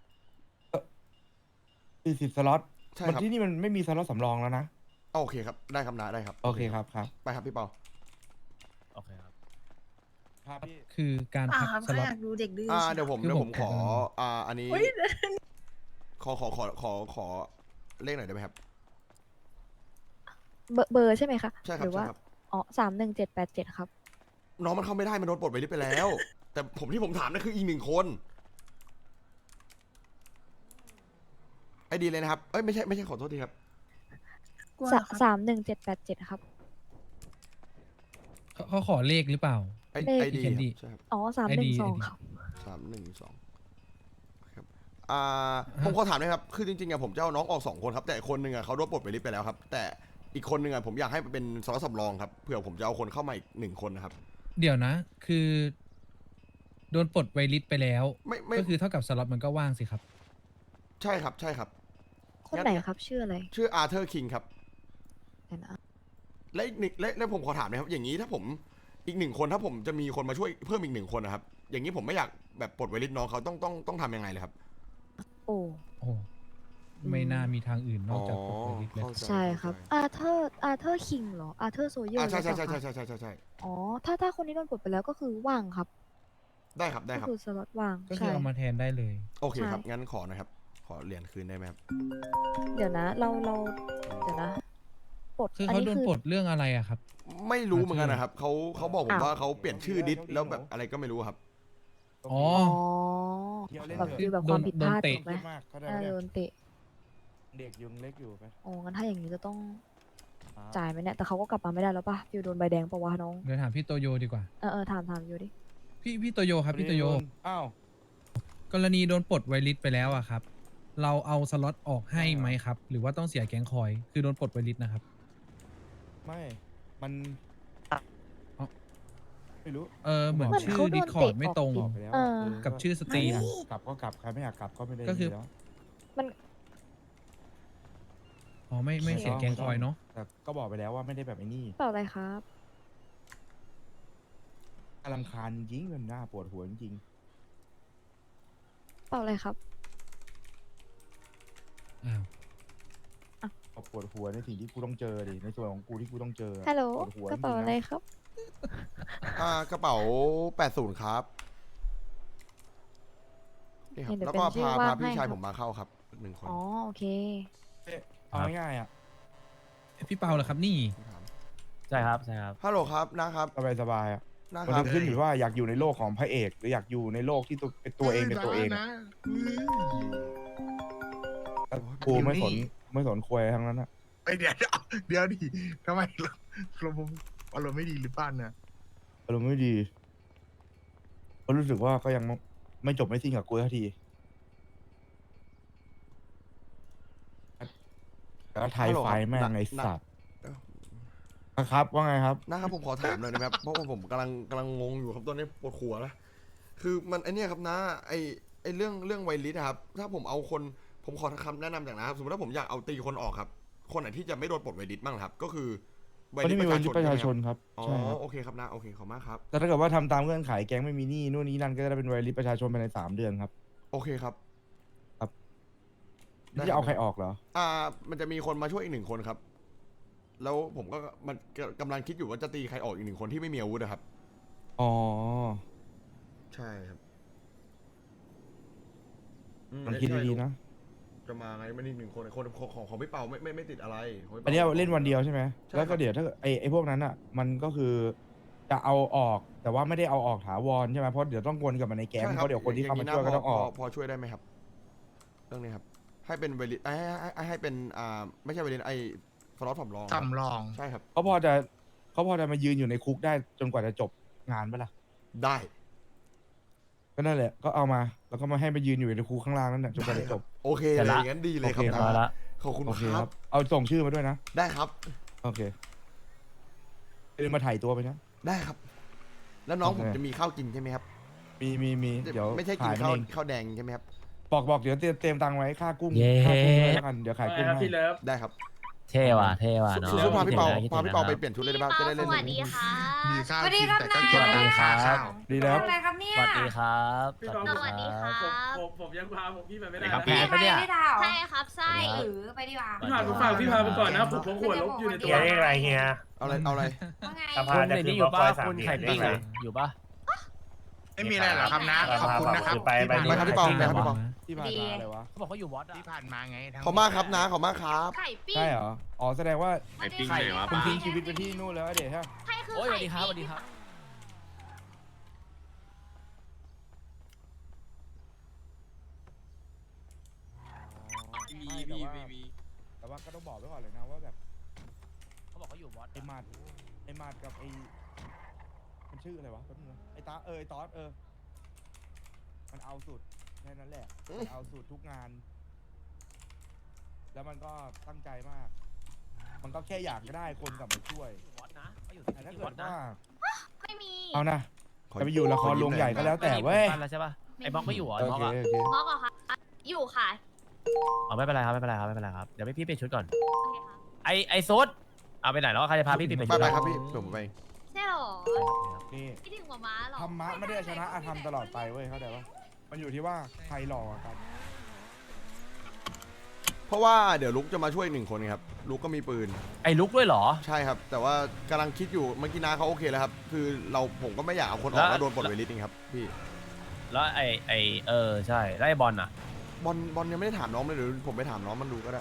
[SPEAKER 9] สี่สิบสล็อต
[SPEAKER 1] ใช่
[SPEAKER 9] มัน
[SPEAKER 1] ครับ
[SPEAKER 9] ที่นี่มันไม่มีสล็อตสำรองแล้วนะ
[SPEAKER 1] อ๋อโอเคครับได้ครับนะได้ครับ
[SPEAKER 9] โอเคครับครับ
[SPEAKER 1] ไปครับพี่เปา
[SPEAKER 3] โอเคครับ
[SPEAKER 9] ครับพี่
[SPEAKER 10] คือการพักสล็อต
[SPEAKER 1] อ่าเดี๋ยวผม
[SPEAKER 10] คือ
[SPEAKER 1] เดี๋ยว
[SPEAKER 10] ผ
[SPEAKER 1] ผม มขอ
[SPEAKER 10] แอบ
[SPEAKER 1] อ่าอันนี้ขอขอขอขอขอเลขหน่อยได้ไหมครับ
[SPEAKER 5] เบอร์เบอร์ใช่ไหมคะ
[SPEAKER 1] ใช่ค
[SPEAKER 5] ห
[SPEAKER 1] รับ
[SPEAKER 5] รือ
[SPEAKER 1] ใช่
[SPEAKER 5] ว่า
[SPEAKER 1] ครับ
[SPEAKER 5] อ๋อสามหนึ่งเจ็ดแปดเจ็ดครับ
[SPEAKER 1] น้องมันเข้าไม่ได้มันโดนปลดไปลิสต์ไปแล้ว แต่ผมที่ผมถามนั่นคืออีกหนึ่งคนไอดีเลยนะครับเอ้ยไม่ใช่ไม่ใช่ขอโทษทีครับ
[SPEAKER 5] สามหนึ่งเจ็ดแปดเจ็ดครับ
[SPEAKER 10] เขาเขาขอเลขหรือเปล่า
[SPEAKER 1] ไอ
[SPEAKER 5] เลข
[SPEAKER 1] ไอดี
[SPEAKER 10] เขียนดี
[SPEAKER 1] ใช่ครับ
[SPEAKER 5] อ๋อสามหนึ่ง
[SPEAKER 10] ไอ
[SPEAKER 5] สอง
[SPEAKER 10] ดี
[SPEAKER 5] ครับ
[SPEAKER 1] สามหนึ่งสองครับอ่าผมขอถามหนะครับคือจริงๆอะผมจะเอาน้องออกสองคนครับแต่คนหนึ่งอะเขาโดนปลดไปลิสต์ไปแล้วครับ แต่อีกคนหนึ่งอะผมอยากให้เป็นสล็อตสำรองครับเผื่อผมจะเอาคนเข้ามาอีกหนึ่งคนนะครับ
[SPEAKER 10] เดี๋ยวนะ คือ โดนปลดไวริสไปแล้ว
[SPEAKER 1] ไม่ไม่
[SPEAKER 10] ก็คือเท่ากับสล็อตมันก็ว่างสิครับ
[SPEAKER 1] ใช่ครับใช่ครับ
[SPEAKER 5] คนไหนครับ ชื่ออะไร
[SPEAKER 1] ชื่ออาร์เธอร์คิงครับ
[SPEAKER 5] เดี๋ยวนะ
[SPEAKER 1] และอีกหนึ่งและและผมขอถามนะครับ อย่างนี้ถ้าผมอีกหนึ่งคนถ้าผมจะมีคนมาช่วยเพิ่มอีกหนึ่งคนนะครับ อย่างนี้ผมไม่อยากแบบปลดไวริสน้องเขาต้องต้องต้องทำยังไงเลยครับ
[SPEAKER 5] โอ้
[SPEAKER 10] โอ้ไม่น่ามีทางอื่นนอกจากปลดไวริสเลย
[SPEAKER 1] เข้าใจ
[SPEAKER 5] ใช่ครับ อาเธอร์ อาเธอร์คิงเหรอ อาเธอร์โซเยอ
[SPEAKER 1] อ่า
[SPEAKER 5] ร์
[SPEAKER 1] ใช่ใช่ใช่ใช่ใช่ใช่ใช่ใช่
[SPEAKER 5] อ๋อ ถ้าถ้าคนนี้โดนปลดไปแล้วก็คือว่างครับ
[SPEAKER 1] ได้ครับได้
[SPEAKER 5] ก็
[SPEAKER 1] ครับ
[SPEAKER 5] คือสล็อตว่าง
[SPEAKER 10] ก็คือ
[SPEAKER 5] ใช่
[SPEAKER 10] เอามาแทนได้เลย
[SPEAKER 1] โอเคครับ
[SPEAKER 5] ใช่
[SPEAKER 1] งั้นขอนะครับ ขอเหรียญคืนได้ไหมครับ
[SPEAKER 5] เดี๋ยวนะ เราเราเดี๋ยวนะปลด
[SPEAKER 10] คือ
[SPEAKER 5] อัน
[SPEAKER 10] เขา
[SPEAKER 5] นี้
[SPEAKER 10] โดน
[SPEAKER 5] คือ
[SPEAKER 10] ปลดเรื่องอะไรอะครับ
[SPEAKER 1] ไม่รู้เหมือนกันนะครับเขาเขาบอกผม
[SPEAKER 5] อ้าว
[SPEAKER 1] ว่าเขาเปลี่ยนชื่อดิสแล้วแบบอะไรก็ไม่รู้ครับ
[SPEAKER 10] อ๋อ
[SPEAKER 5] อ๋อ
[SPEAKER 9] เที่ยวเล่น
[SPEAKER 5] แบบ
[SPEAKER 9] เถอะ
[SPEAKER 5] คือแบบความผิดพลาด
[SPEAKER 10] โดนเตะ
[SPEAKER 5] ถูกไหม
[SPEAKER 9] เครียดมากเขาได้
[SPEAKER 5] น่า
[SPEAKER 9] ไหม
[SPEAKER 5] จะ
[SPEAKER 9] เนี่ย
[SPEAKER 5] โดนเตะ
[SPEAKER 9] เด็กยังเล็กอยู่ไป
[SPEAKER 5] อ๋อ งั้นถ้าอย่างนี้จะต้อง
[SPEAKER 9] ครับ
[SPEAKER 5] จ่ายไหมเนี่ย แต่เขาก็กลับมาไม่ได้แล้วป่ะฟิวโดนใบแดงปะวะน้อง
[SPEAKER 10] เดี๋ยวถามพี่โตโยดีกว่า
[SPEAKER 5] เออเออถามถามอยู่ดิ
[SPEAKER 10] พี่พี่โตโยครับพี่โตโย
[SPEAKER 9] อ้าว
[SPEAKER 10] กรณีโดนปลดไวริสไปแล้วอะครับ เราเอาสล็อตออกให้ไหมครับ หรือว่าต้องเสียแก๊งคอย คือโดนปลดไวริสนะครับ
[SPEAKER 9] ไม่มัน
[SPEAKER 10] เอ้า
[SPEAKER 9] ไม่รู้
[SPEAKER 10] เออเหมือน
[SPEAKER 5] เหมือน
[SPEAKER 10] ชื่อ
[SPEAKER 5] เขาโดน
[SPEAKER 10] ดิสคอร์ด
[SPEAKER 5] เตะ
[SPEAKER 10] ไม่ตรง
[SPEAKER 5] อ
[SPEAKER 9] บ
[SPEAKER 5] อ
[SPEAKER 9] อกไปแล้ว
[SPEAKER 5] เออ
[SPEAKER 9] เ
[SPEAKER 10] กับชื่อสตรีม
[SPEAKER 9] กลับก็กลับใครไม่อยากกลับก็ไม่ได้
[SPEAKER 10] ก็คือ
[SPEAKER 9] แล้ว
[SPEAKER 10] อ๋อไม่ไม่เสียแก๊งคอยเนาะ
[SPEAKER 9] แต่ก็บอกไปแล้วว่าไม่ได้แบบไอ้นี่
[SPEAKER 5] เปล่าอะไรครับ
[SPEAKER 9] อารำคาญจริงมันน่าปวดหัวจริง
[SPEAKER 5] เปล่าอะไรครับ
[SPEAKER 10] อ้าว
[SPEAKER 9] ๆปวดหัวในสิ่งที่กูต้องเจอดิในส่วนของกูที่กูต้องเจอ
[SPEAKER 5] ฮัลโหล
[SPEAKER 9] ปวดหัว
[SPEAKER 5] กระเป๋า
[SPEAKER 9] จงๆน
[SPEAKER 5] อะไรครับ
[SPEAKER 1] อ่ากระเป๋าแปดศูนย์ครับนี่ครับ
[SPEAKER 5] เดี๋ยว
[SPEAKER 1] แล้วก็
[SPEAKER 5] เป็นชื่อ
[SPEAKER 1] พา
[SPEAKER 5] ว่าง
[SPEAKER 1] พาพี่
[SPEAKER 5] ให้
[SPEAKER 1] ชาย
[SPEAKER 5] ครับ
[SPEAKER 1] ผมมาเข้าครับหนึ่งคน
[SPEAKER 5] อ๋อ โอเค
[SPEAKER 9] เอ๊ะเอาง่ายๆอ่ะ
[SPEAKER 10] พี่เปาเหรอครับนี่
[SPEAKER 3] ใช่ครับใช่ครับ
[SPEAKER 1] ฮัลโหลครับนะครับ
[SPEAKER 9] สบายสบายๆอ่ะ
[SPEAKER 1] นะ
[SPEAKER 9] มัน
[SPEAKER 1] ครับ
[SPEAKER 9] จะขึ้นอยู่ว่าอยากอยู่ในโลกของพระเอก หรืออยากอยู่ในโลกที่ตัวเป็นตัวเองเป็นตัวเองอะกูไม่สนไม่สนควยทั้งนั้นอ่ะ
[SPEAKER 11] ไอเดี๋ยวเดี๋ยวดิทำไมเราเราอารมณ์ไม่ดีหรือเปล่าเนี่ย
[SPEAKER 9] อารมณ์ไม่ดีก็รู้สึกว่าก็ยังไม่จบไม่สิ้นกับกูสักทีแล้วไทยไฟแม่งไอสัตว์ครับว่าไงครับ
[SPEAKER 1] นะครับผมขอถามเลยนะครับ เพราะว่าผมกำลังกำลังงงอยู่ครับตอนนี้ปวดหัวแล้วคือมันไอเนี้ยครับนะไอไอเรื่องเรื่องไวลิสครับถ้าผมเอาคนผมขอคำแนะนำจากนะครับสมมติว่าผมอยากเอาตีคนออกครับคนไหนที่จะไม่โดนปลดไวลิสบ้างครับก็คือ
[SPEAKER 9] คนที่มีไวลิสประชาชนครับ
[SPEAKER 1] อ๋อ
[SPEAKER 9] ใช่ครับ
[SPEAKER 1] โอเคครับนะโอเคขอบมากครับ
[SPEAKER 9] แต่ถ้าเกิดว่าทำตามเงื่อนไขแก๊งไม่มีหนี้นู่นนี่นั่นก็จะได้เป็นไวลิสประชาชนภายในสามเดือนครับ
[SPEAKER 1] โอเคครับ ได้ครับ
[SPEAKER 9] ที่จะเอาใครออกเหรอ
[SPEAKER 1] อ่ามันจะมีคนมาช่วยอีกหนึ่งคนครับ แล้วผมก็มันกำลังคิดอยู่ว่าจะตีใครออกอีกหนึ่งคนที่ไม่มีอาวุธนะครับ
[SPEAKER 9] อ๋อ
[SPEAKER 1] ใช่ครับ
[SPEAKER 9] มันคิดดีๆนะ
[SPEAKER 1] จะมาไงมันอีกหนึ่งคนคนของของของพี่เปาไม่ไม่ไม่ติดอะไรของพี่ปา
[SPEAKER 9] อันเนี้ยเล่นวันเดียวใช่ไหม
[SPEAKER 1] ใช่
[SPEAKER 9] แล้วก็
[SPEAKER 1] ครับ
[SPEAKER 9] เดี๋ยวถ้าไอไอพวกนั้นอ่ะ มันก็คือจะเอาออก แต่ว่าไม่ได้เอาออกถาวรใช่ไหมเพราะเดี๋ยวต้องวนกลับมาในแก๊ง
[SPEAKER 1] ใช่
[SPEAKER 9] เพราะเดี๋ยวคนที่เข้ามาช่วยก็ต้องออก
[SPEAKER 1] พพอช่วยได้ไหมครับ เรื่องนี้ครับ ให้เป็นเวลิให้ให้ให้ให้เป็นอ่าไม่ใช่เวลิไอสล็อตสำรองครับ
[SPEAKER 11] สำรอง
[SPEAKER 1] ใช่ครับ
[SPEAKER 9] เขาพอจะเขาพอจะมายืนอยู่ในคุกได้จนกว่าจะจบงานปะล่ะ
[SPEAKER 1] ได้
[SPEAKER 9] ก็นั่นแหละ ก็เอามา แล้วก็มาให้มายืนอยู่ในคุกข้างล่างนั่นแหละจนกว่าจะจบ
[SPEAKER 1] โอเค
[SPEAKER 3] เสร็จ
[SPEAKER 1] เลย
[SPEAKER 3] ละ
[SPEAKER 1] งั้นดีเลยครับ
[SPEAKER 9] โอเค
[SPEAKER 3] เรียบร้อยละ
[SPEAKER 1] ขอบคุณ
[SPEAKER 9] โอเค
[SPEAKER 1] ค
[SPEAKER 9] ค
[SPEAKER 1] รั
[SPEAKER 9] รับ บ เอาส่งชื่อมาด้วยนะ
[SPEAKER 1] ได้ครับ
[SPEAKER 9] โอเคเดินมาถ่ายตัวไปนะ
[SPEAKER 1] ได้ครับ แล้วน้อง
[SPEAKER 9] โอเค
[SPEAKER 1] ผมจะมีข้าวกินใช่ไหมครับ
[SPEAKER 9] มีมีมีเดี๋ยว
[SPEAKER 1] ไม่ใช่กิน
[SPEAKER 9] ขายมัน
[SPEAKER 1] ข้าว
[SPEAKER 9] เอง
[SPEAKER 1] ข้าวแดงใช่ไหมครับ
[SPEAKER 9] บอกบอกเดี๋ยวเตรียมเตรียมตังค์ไว้ค่ากุ้ง
[SPEAKER 3] เย้
[SPEAKER 9] ค่ากุ้งไว้แล้วกันเดี๋ยวขายกุ้งให้
[SPEAKER 1] ได้ครับ
[SPEAKER 3] เท่ว่ะเท่ว่ะเนาะ
[SPEAKER 1] สู้ๆพาพี่เปา
[SPEAKER 3] คิดถึงนะ
[SPEAKER 1] พาพี่เปา
[SPEAKER 3] คิดถึงนะ
[SPEAKER 1] ไปเปลี่ยนชุดเลยได้ป่ะจะได้เล่น
[SPEAKER 2] สวัสดีค่ะ
[SPEAKER 11] มีข้าว
[SPEAKER 8] สวัสดี
[SPEAKER 11] กิน
[SPEAKER 8] ครับ
[SPEAKER 11] แต่ก็เก็บ
[SPEAKER 3] สวัสดี
[SPEAKER 11] ค่า
[SPEAKER 3] ครับ
[SPEAKER 11] ข้าว
[SPEAKER 9] ดีแล้ว
[SPEAKER 8] อะไรครับเนี่ย
[SPEAKER 3] สวัสดีครับ
[SPEAKER 2] สวัสดีค่ะ
[SPEAKER 12] ผมผมยังพาผมพี่ไปไม่ได้
[SPEAKER 3] ครับ
[SPEAKER 12] นะ
[SPEAKER 3] แพ้ปะเนี่ย
[SPEAKER 8] ไม่ได้เหรอ
[SPEAKER 2] ใช่ครับใช่
[SPEAKER 8] เออไปดีกว่า
[SPEAKER 12] พี่พาผมฝากพี่พาไปก่อนนะผมพกขวดลบอยู่ในตัว
[SPEAKER 8] เฮียเรียกอะไรเฮีย
[SPEAKER 1] เอาอะไรเอาอะไร
[SPEAKER 8] ว่าไง
[SPEAKER 3] คุณในนี้อยู่ป่ะคุณไข่ปิ้งอะอยู่ป่ะ
[SPEAKER 11] ไม่มีอะไรหรอกครับนะ ขอบคุณนะครับ
[SPEAKER 9] ไปไป
[SPEAKER 11] ที่
[SPEAKER 1] ไป
[SPEAKER 11] ผ่าน
[SPEAKER 1] ครับพี่เปาไปครับพี่เปา
[SPEAKER 9] ที่ผ่านมาอะไรวะ
[SPEAKER 3] เขาบอกเขาอยู่วอตอะ
[SPEAKER 11] ที่ผ่านมาไงทั้ง
[SPEAKER 1] ขอบมากครับนะขอบมากครับ
[SPEAKER 2] ไข่ปิ้ง
[SPEAKER 9] ใช่เหรอ อ๋อแสดงว่า
[SPEAKER 2] ไข่ปิ้ง
[SPEAKER 9] คุณทิ้งชีวิตไปที่นู่นแล้วเดี๋ยวฮะ
[SPEAKER 2] ใช่คือ
[SPEAKER 3] โอ้ยสวั
[SPEAKER 2] ไข่
[SPEAKER 3] สดีครับสวัส
[SPEAKER 2] ปิ้
[SPEAKER 3] ดี
[SPEAKER 2] ง
[SPEAKER 3] ครับ
[SPEAKER 9] มีมีมีแต่ว่าก็ต้องบอกไว้ก่อนเลยนะว่าแบบ
[SPEAKER 3] เขาบอกเขาอยู่วอต
[SPEAKER 9] ไอ้มาดไอ้มาดกับไอ้มันชื่ออะไรวะแป๊บนึงนะไอ้ตาเออไอ้ตอสเออ มันเอาสุดแค่นั้นแหละมันเอาสุดทุกงาน แล้วมันก็ตั้งใจมาก มันก็แค่อยากได้คนกลับมาช่วย
[SPEAKER 3] วอตนะเขาอยู่
[SPEAKER 9] แต่ถ้า
[SPEAKER 3] ที่
[SPEAKER 9] เกิ
[SPEAKER 3] วอ
[SPEAKER 9] ด
[SPEAKER 3] ตนะ
[SPEAKER 9] ว่า
[SPEAKER 2] ไม่มี
[SPEAKER 9] เอานะ
[SPEAKER 1] ขอ
[SPEAKER 9] จะไปอยู่ละครโรงใหญ่ก็แล้วแต่เว้ย
[SPEAKER 3] ไม่มีผมกันแล้วใช่ป่ะไอ้บล็อกไม่อยู่เหรอ
[SPEAKER 9] โอ
[SPEAKER 3] ไอ้บล็อก
[SPEAKER 9] เค
[SPEAKER 3] อะ
[SPEAKER 9] โอเค
[SPEAKER 2] มอกเหรอคะอยู่ค่ะ
[SPEAKER 3] อ๋อไม่เป็นไรครับไม่เป็นไรครับไม่เป็นไรครับเดี๋ยวพี่เปลี่ยนชุดก่อน
[SPEAKER 2] โอเคค่ะ
[SPEAKER 3] ไอไอซุดเอาไปไหนแล้วใครจะพาพี่เปลี่ยน
[SPEAKER 1] ไป
[SPEAKER 3] ชุด
[SPEAKER 1] ไป
[SPEAKER 3] อะ
[SPEAKER 1] ครับพี่ผมไป
[SPEAKER 2] ใช่หรอ
[SPEAKER 9] นี่
[SPEAKER 2] คิดถึงหมาม้าหรอ
[SPEAKER 9] ธรรมะไม่ได้ชนะอาธรรมตลอดไปเว้ยเข้าใจปะมันอยู่ที่ว่าใครหล่อกว่ากัน
[SPEAKER 1] เพราะว่าเดี๋ยวลุกจะมาช่วยอีกหนึ่งคนครับลุกก็มีปืน
[SPEAKER 3] ไอลุกด้วยเหรอ
[SPEAKER 1] ใช่ครับ แต่ว่ากำลังคิดอยู่เมื่อกี้นาเขาโอเคแล้วครับ คือเราผมก็ไม่อยากเอาคนออก
[SPEAKER 3] แล้ว
[SPEAKER 1] แล้วโดนปลดเวลิสจริงครับพี่
[SPEAKER 3] แล้วไอไอเออใช่แล้วไอบอลอะ
[SPEAKER 1] บอลบอลยังไม่ได้ถามน้องเลยหรือผมไปถามน้องมันดูก็ได้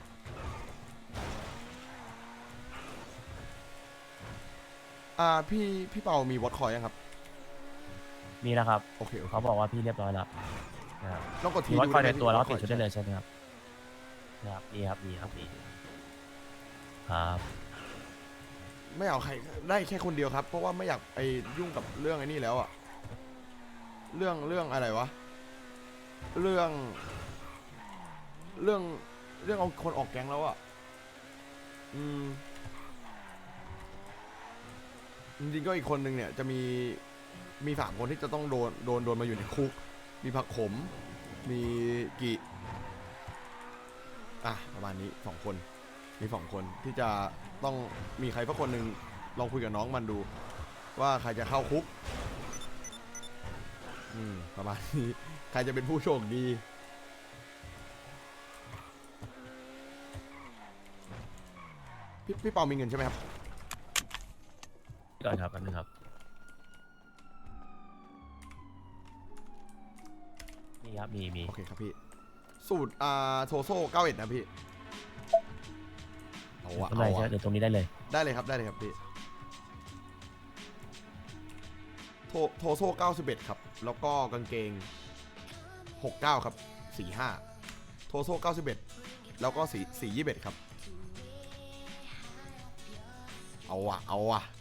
[SPEAKER 1] อ่าพี่พี่เปามีวอตคอยยังครับ
[SPEAKER 3] มีแล้วครับ
[SPEAKER 1] โอเคโอเค
[SPEAKER 3] เขาบอกว่าพี่เรียบร้อยแล้วนะครับ
[SPEAKER 1] ต้องกดที
[SPEAKER 3] มีวัดคอยใน
[SPEAKER 1] ดู
[SPEAKER 3] ตัว
[SPEAKER 1] ได้ไหม
[SPEAKER 3] แล้วก็
[SPEAKER 1] พี่
[SPEAKER 3] เปลี่ยนชุดได้เลยใช่ไหมครับนะครับนี่ครับนี่ครับนี่ครับ
[SPEAKER 1] ไม่เอาใครได้แค่คนเดียวครับ เพราะว่าไม่อยากไปยุ่งกับเรื่องไอ้นี่แล้วอะเรื่องเรื่องอะไรวะเรื่อง เรื่องเรื่องเอาคนออกแก๊งแล้วอะอืมจริงๆก็อีกคนนึงเนี่ยจะมีมีสามคนที่จะต้องโดนโดนโดนมาอยู่ในคุก มีผักขม มีกิอ่ะประมาณนี้สองคน มีสองคนที่จะต้องมีใครสักคนหนึ่งลองคุยกับน้องมันดู ว่าใครจะเข้าคุก อืมประมาณนี้ใครจะเป็นผู้โชคดี พี่พี่เปามีเงินใช่ไหมครับ
[SPEAKER 3] ก่อนครับแป๊บนึงครับนี่ครับมีมี
[SPEAKER 1] โอเคครับพี่ สูตรอ่าโทโซ่เก้าเอ็ดนะพี่ เอาวะ
[SPEAKER 3] ข้างใน
[SPEAKER 1] เอา
[SPEAKER 3] ใช่ไหม
[SPEAKER 1] วะ
[SPEAKER 3] เดี๋ยวตรงนี้ได้เลย
[SPEAKER 1] ได้เลยครับได้เลยครับพี่โทโทโซ่เก้าสิบเอ็ดครับ แล้วก็กางเกงหกเก้าครับสี่ห้าโทโซ่เก้าสิบเอ็ดแล้วก็สีสี่ยี่สิบเอ็ดครับ เอาวะเอาวะ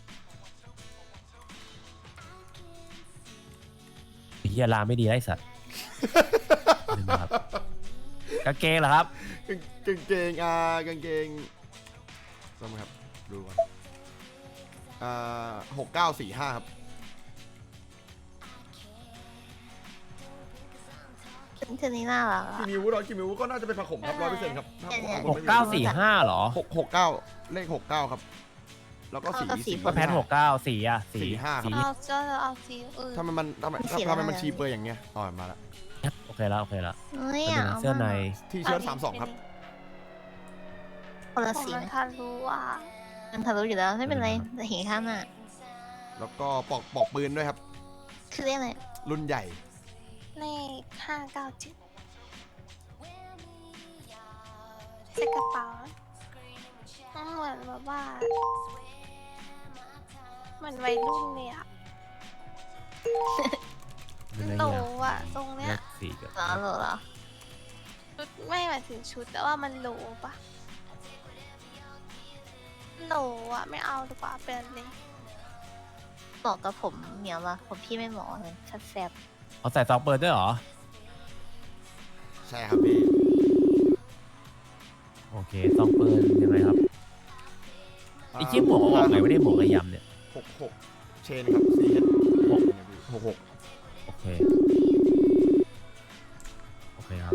[SPEAKER 3] เฮียลาไม่ดีไอ้สัตว์ ลืมครับกางเกงเหรอครับ
[SPEAKER 1] กางกางเกงอ่ากางเกงต้องไหมครับดูก่อนอ่าหกเก้าสี่ห้าครับ
[SPEAKER 2] เธอนี่น่ารัก
[SPEAKER 1] กี่
[SPEAKER 2] อะ
[SPEAKER 1] นิ้วร้อยกี่นิ้วก็น่าจะเป็นผักขมครับร้อยเปอร์เซ็นต์ครับถ้า
[SPEAKER 2] เนี่ย
[SPEAKER 1] ผม
[SPEAKER 3] หกเก้าสี่ห้าเหรอ
[SPEAKER 1] หกหกเก้าเลขหกเก้าครับ แล้วก็สี
[SPEAKER 2] เข้ากับสี
[SPEAKER 1] สี
[SPEAKER 3] ก็แพทหกเก้าสีอ่ะสี
[SPEAKER 1] สี่ห้าครับ
[SPEAKER 3] สี
[SPEAKER 2] เอาก็เอาสีอื่น
[SPEAKER 1] ทำไมมันทำไม
[SPEAKER 2] มันสี
[SPEAKER 1] ทำไม
[SPEAKER 2] อะไร
[SPEAKER 1] มันชีเปอร์อย่างเงี้ยอ๋อมาละ
[SPEAKER 3] โอเคแล้วโอเคแล้ว
[SPEAKER 2] เฮ้ย
[SPEAKER 3] แล้วดูนะเสื้อใน
[SPEAKER 1] ที่เชิ้ตสามสองครับ
[SPEAKER 2] คนละสีทะลุอ่ะมันทะลุอยู่แล้วไม่เป็นไรแต่เห็นข้างหน้า
[SPEAKER 1] แล้วก็ปอกปอกปืนด้วยครับ
[SPEAKER 2] คือเรียกอะไร
[SPEAKER 1] รุ่นใหญ่
[SPEAKER 2] เลขห้าเก้าเจ็ดใส่กระเป๋าเหมือนแบบว่าเหมือนวัยรุ่นเลยอ่ะ
[SPEAKER 3] เป็นอะไร
[SPEAKER 2] โต
[SPEAKER 3] เนี่ย
[SPEAKER 2] อ่ะตรงเนี้
[SPEAKER 3] เลื
[SPEAKER 2] ย
[SPEAKER 3] อกสีกับ
[SPEAKER 2] เหรอเหรอเหรอชุดไม่หมายถึงชุดแต่ว่ามันโหลปะโหลอ่ะไม่เอาดีกว่าเป็นเลยเหมาะกับผมเหนียวละผมพี่ไม่เหมาะเลยชัดแซบ
[SPEAKER 3] เอาใส่ซองเปิดด้วยเหรอ
[SPEAKER 1] ใช่ครับพี่
[SPEAKER 3] โอเคซองเปิดยังไงครับไอ้เจี๊ยบหมวกเอาออกไงไม่ได้หมวกระยำเนี่ย
[SPEAKER 1] หกหกเชนครับซีเอสหกหกหก
[SPEAKER 3] โอเคโอเคครับ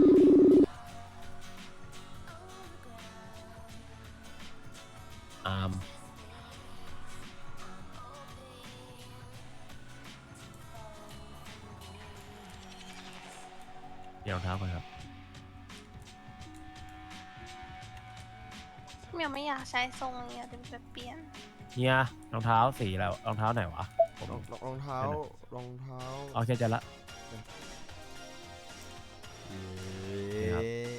[SPEAKER 3] อาร์มเดี๋ยวรองเท้าก่อนครับ
[SPEAKER 2] เมียไม่อยากใช้ทรงนี้อะเดี๋ยวจะเปลี่ยน
[SPEAKER 3] เฮียรองเท้าสีอะไรวะรองเท้าไหนวะผม
[SPEAKER 1] รองรองเท้ารองเท้า
[SPEAKER 3] โอเคเจะละ ครับ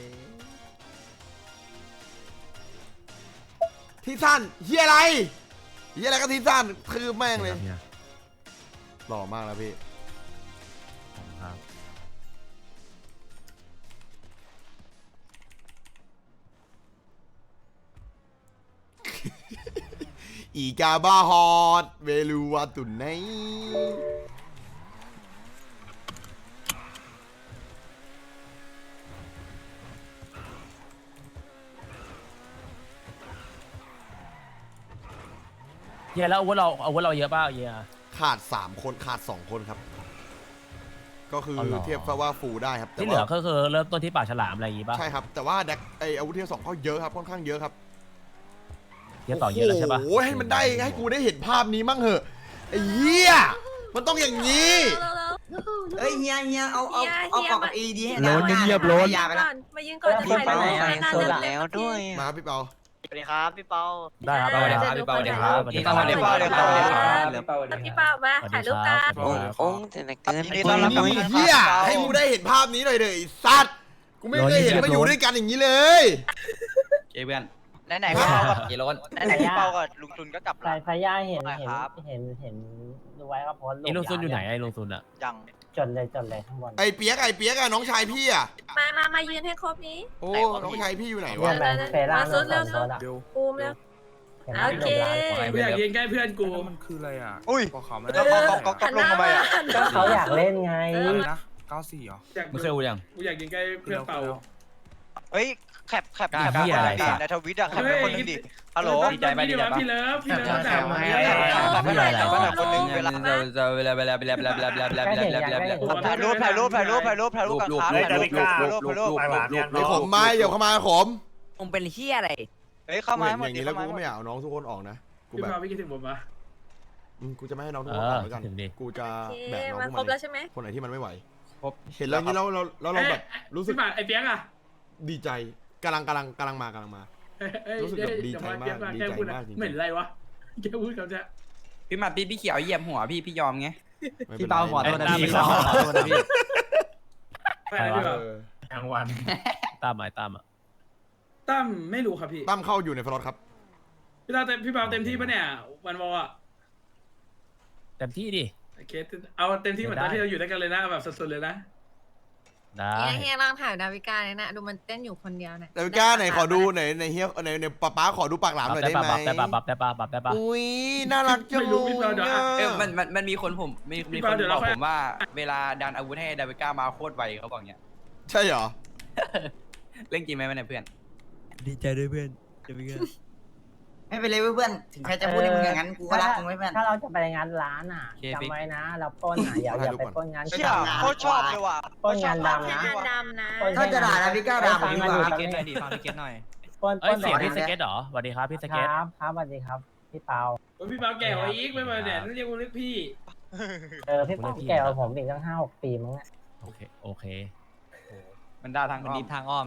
[SPEAKER 1] ที่สั้นเฮียอะไรเฮียอะไรก็ที่สั้นคือแม่งเลย
[SPEAKER 3] นี่ครับ
[SPEAKER 1] หล่อมากแล้วพี่
[SPEAKER 3] ขอบคุณครับ
[SPEAKER 1] อีกาบาฮอดเวลูวาตุนไน
[SPEAKER 3] เฮียแล้วอาวุธเราอาวุธเราเยอะเปล่าเฮีย
[SPEAKER 1] ขาดสามคนขาดสองคนครับ ก็คือ
[SPEAKER 3] อ๋อเหรอ
[SPEAKER 1] เทียบซะว่าฟูลได้ครับแต่
[SPEAKER 3] ที่เหลือ
[SPEAKER 1] ว่า
[SPEAKER 3] ก็คือเริ่มต้นที่ปากฉลามอะไรอย่างงี้ป่ะ
[SPEAKER 1] ใช่ครับ แต่ว่าแดกไออาวุธเทียบสองเขาเยอะครับค่อนข้างเยอะครับ
[SPEAKER 3] เฮียต่อเยอะแล้วใช่ป่ะ
[SPEAKER 1] โอ้โหให้มันได้ให้กูได้เห็นภาพนี้มั่งเหอะไอ้เหี้ยมันต้องอย่างนี้
[SPEAKER 4] เอ้ยเฮียเฮียเอาเอาเอากล่องเอดีให้
[SPEAKER 10] โลนเงียบๆโลน
[SPEAKER 4] ยาไปละ
[SPEAKER 2] มายืนก่อนจะ
[SPEAKER 7] พี่
[SPEAKER 2] ถ่าย
[SPEAKER 7] เปา
[SPEAKER 2] รูป
[SPEAKER 7] ใส่
[SPEAKER 2] ให้หน้า
[SPEAKER 7] โซ
[SPEAKER 2] เดิ
[SPEAKER 7] ด
[SPEAKER 2] ม
[SPEAKER 7] แล้วด้วย
[SPEAKER 1] มาพี่เปา
[SPEAKER 4] สวัสดีครับพี่เปา
[SPEAKER 3] ได้ครับได้ครับ
[SPEAKER 2] พี่เปาสวัสดีครับ
[SPEAKER 3] พี่เปาสวัสดีครับ
[SPEAKER 4] สวัสดีครับ
[SPEAKER 2] พี่เปามา
[SPEAKER 3] สวัส
[SPEAKER 2] ถ่าย
[SPEAKER 3] ดี
[SPEAKER 2] รูป
[SPEAKER 3] ค
[SPEAKER 2] กั
[SPEAKER 3] รับ
[SPEAKER 2] น
[SPEAKER 3] สวัสดีครับ
[SPEAKER 7] โอ้งแต่ละเกิน
[SPEAKER 4] ยินดีต้อนรับกลับ
[SPEAKER 1] ไอ้
[SPEAKER 4] มา
[SPEAKER 1] เหี้ยให้กูได้เห็นภาพนี้หน่อยเด้อไอ้สัตว์กูไม่เคยเห็นมาอยู่ด้วยกันอย่างนี้เลย
[SPEAKER 6] เจเพื่อน
[SPEAKER 4] ไหนๆพี่เปากับ
[SPEAKER 6] กี่โลน
[SPEAKER 4] ไหนๆพี่เปากับลุงจุนก็กลับ
[SPEAKER 13] สา
[SPEAKER 4] ละ
[SPEAKER 13] ยพญาเห็น
[SPEAKER 4] ได้
[SPEAKER 13] เห็น
[SPEAKER 4] ครับ
[SPEAKER 13] เห็นเห็นดูไว้ว่าโพสต์
[SPEAKER 3] ไอ้ลุงซุนอยู่ไหนไอ้ลุงซุนอะ
[SPEAKER 4] ยัง
[SPEAKER 13] จดเลยจดเลยข้างบน
[SPEAKER 1] ไอ้เปียกไอ้เปียกอะน้องชายพี่อะ
[SPEAKER 2] มามามายืนให้ครบนี้
[SPEAKER 1] โอ้น้องชายพี่อยู่ไหน
[SPEAKER 13] เนี่
[SPEAKER 1] วะ
[SPEAKER 13] ยแบงค์เฟร่า
[SPEAKER 2] มาสุดเร็ว
[SPEAKER 13] โซนอะ
[SPEAKER 2] ภูมิแล้ว
[SPEAKER 13] เห็นไหม
[SPEAKER 2] โอเค
[SPEAKER 12] กูอยากยิงใกล้เพื่อนกู
[SPEAKER 9] มันคืออะไรอ่ะ
[SPEAKER 4] อุ้ย
[SPEAKER 9] บอกเขาไม่
[SPEAKER 4] ก็
[SPEAKER 9] ได้
[SPEAKER 4] ก็ก็ก็ลงทำไมอ่ะ
[SPEAKER 13] ก็เขาอยากเล่นไง
[SPEAKER 9] นะเก้าสี่เหรอ
[SPEAKER 12] อยาก
[SPEAKER 6] มึงเคยดูยัง
[SPEAKER 12] กูอยากยิงใกล้เพื่อนเป่า
[SPEAKER 4] เฮ้ยแคปแคป
[SPEAKER 6] กล้า
[SPEAKER 4] แคป
[SPEAKER 6] เหี้ยอะไร
[SPEAKER 4] ดิ
[SPEAKER 6] สัตว์
[SPEAKER 4] ในทวิตอะแคปเป็นคนหนึงดิฮัลโหล
[SPEAKER 6] ดีใจปะดีใจปะ
[SPEAKER 12] พี่เลิฟพี่เลิฟ
[SPEAKER 4] แค
[SPEAKER 12] แต่
[SPEAKER 4] ป
[SPEAKER 12] มา
[SPEAKER 4] ให้
[SPEAKER 12] ให้
[SPEAKER 4] แคปให้หน่อยแคปให้หน่อยคนหนึงเวลา
[SPEAKER 6] จะเวลาเวลาเวลาเวลาเวลาเวลาเวลาเวลาเวลาเวลาเวลาเวลา
[SPEAKER 4] ถ่ายรูปถ่ายรูปถ่ายรูปถ่ายรูปถ่ายรูปกันครับถ่ายรูปถ่ายรูปถ่ายรูปถ่ายรูป
[SPEAKER 1] ไอ้ขมมาเดี๋ยวเข้ามาขม
[SPEAKER 4] มึงเป็นเฮียอะไรเฮ้ยเข้ามา
[SPEAKER 1] เห็น
[SPEAKER 4] หม
[SPEAKER 1] อ
[SPEAKER 4] ด
[SPEAKER 1] ย่าง
[SPEAKER 4] ดิ
[SPEAKER 1] นี้แล้ว
[SPEAKER 4] เข้า
[SPEAKER 1] กู
[SPEAKER 4] มา
[SPEAKER 1] ก็ไม่อยากเอาน้องทุกคนออกนะกู
[SPEAKER 12] พี่
[SPEAKER 1] แบบ
[SPEAKER 12] เปาไม่คิดถึงผมปะ
[SPEAKER 1] อืมกูจะไม่ให้น้องทุก
[SPEAKER 3] เอ
[SPEAKER 1] คนอ
[SPEAKER 3] อ
[SPEAKER 1] อกแล้วกัน
[SPEAKER 3] ถึงดิ
[SPEAKER 1] กูจะ
[SPEAKER 2] โอเค
[SPEAKER 1] แบกน้อง
[SPEAKER 2] มา
[SPEAKER 1] พวก
[SPEAKER 2] ครบ
[SPEAKER 1] มัน
[SPEAKER 2] แล้วใช่ไหม
[SPEAKER 1] คนไหนที่มันไม่ไหว
[SPEAKER 6] ครบ
[SPEAKER 1] เห็นแล้วนี้เราเราเราเราแบบรู้สึก
[SPEAKER 12] พี่ปาไอ้เปียกอะ
[SPEAKER 1] ดีใจกำลังกำลังกำลังมากำลังมา รู้สึกแบบดีใจมากดีใจมากจริงๆ
[SPEAKER 12] เหม็นอะไรวะแกพูดเขาจะ
[SPEAKER 6] พี่มาพี่พี่เขียวเหยียบหัวพี่พี่ยอมไง
[SPEAKER 1] ไม่ป็นไร
[SPEAKER 6] พี่เปาขอโทษนะ
[SPEAKER 3] ไอ้
[SPEAKER 6] พี่
[SPEAKER 3] ตาม
[SPEAKER 6] ขอโทษนะพี่
[SPEAKER 12] ไปอะไรพี่
[SPEAKER 1] เอ
[SPEAKER 12] เปา
[SPEAKER 1] อ
[SPEAKER 3] กลางวันตามหมายตามอ่ะ
[SPEAKER 12] ตั้มไม่รู้ครับพี่
[SPEAKER 1] ตั้มเข้าอยู่ในฟลอตครับ
[SPEAKER 12] พี่เปาเต็มพี่เปาเต็มที่ปะเนี่ยวันวอลอะ
[SPEAKER 3] เต็มที่ดิ
[SPEAKER 12] โอเคเอาเต็มที่เหมือนตอนที่เราอยู่ด้วยกันเลยนะแบบสุดๆเลยนะ
[SPEAKER 3] ได้
[SPEAKER 2] เฮียลองถ่ายดาวิกาเนี่ยนะดูมันเต้นอยู่คนเดียวเนี่ย
[SPEAKER 1] แต่กล้าไหนขอดูไหนในเฮียในในป๊าป๊าขอดูปากหลามหน่อยได้ไหม
[SPEAKER 3] ได้ปะปรับได้ปะปรับได้ปะ
[SPEAKER 1] อุ้ยน่ารักจัง
[SPEAKER 12] ไม่รู้พี่เปาเดี๋ยวอะ
[SPEAKER 6] เออมันมันมันมีคนผมมีมี
[SPEAKER 12] พี่
[SPEAKER 6] ค
[SPEAKER 12] เปาน เดี๋ยว
[SPEAKER 6] บ
[SPEAKER 12] เรา
[SPEAKER 6] อก
[SPEAKER 12] ค่อย
[SPEAKER 6] ผมว่าเวลาดันอาวุธให้ดาวิก้ามาโคตรไวเขาบอกเงี้ย
[SPEAKER 1] ใช่เหรอ
[SPEAKER 6] เล่นจริงไหมมันเนี่ยเพื่อน
[SPEAKER 4] ดีใจด้วยเพื่อนดาวิก้า
[SPEAKER 13] ไม่เป็นไรเพื่อนถึงใครจะพูดให้มึงอย่างนั้นกูก็รักมึงไว้เพื่อนถ้าเราจะไปงานร้านอ่ะจำไว้นะเราปล้นอ่ะอย่าอย่าไปปล้นงาน
[SPEAKER 4] เชี่ยโคตรชอบเลยว่ะ
[SPEAKER 13] ปล้นงานดำนะ
[SPEAKER 2] ดำนะ
[SPEAKER 13] ถ้าจะด่านะพี่ก้าวด่าผมดีกว่า
[SPEAKER 6] เกตหน่อยดิฟังพี่เกตหน่อย
[SPEAKER 13] ปล้น
[SPEAKER 3] เอ้ยเสียงพี่สเก็ตเหรอสวัสดีครับพี่ส
[SPEAKER 13] ค
[SPEAKER 3] เก็ต
[SPEAKER 13] รับครับสวัสดีครับพี่เปา
[SPEAKER 12] พี่เปาแก่กว่าอีกไม่มาเนี่ยนั่นเรียกว่าเรียกพี่
[SPEAKER 13] เออพี่เปาแก่กว่าผมอีกตั้งห้าหกปีมั้งเนี่ย
[SPEAKER 3] โอเคโอเค
[SPEAKER 6] มันด่าทางมันดีทางอ้อม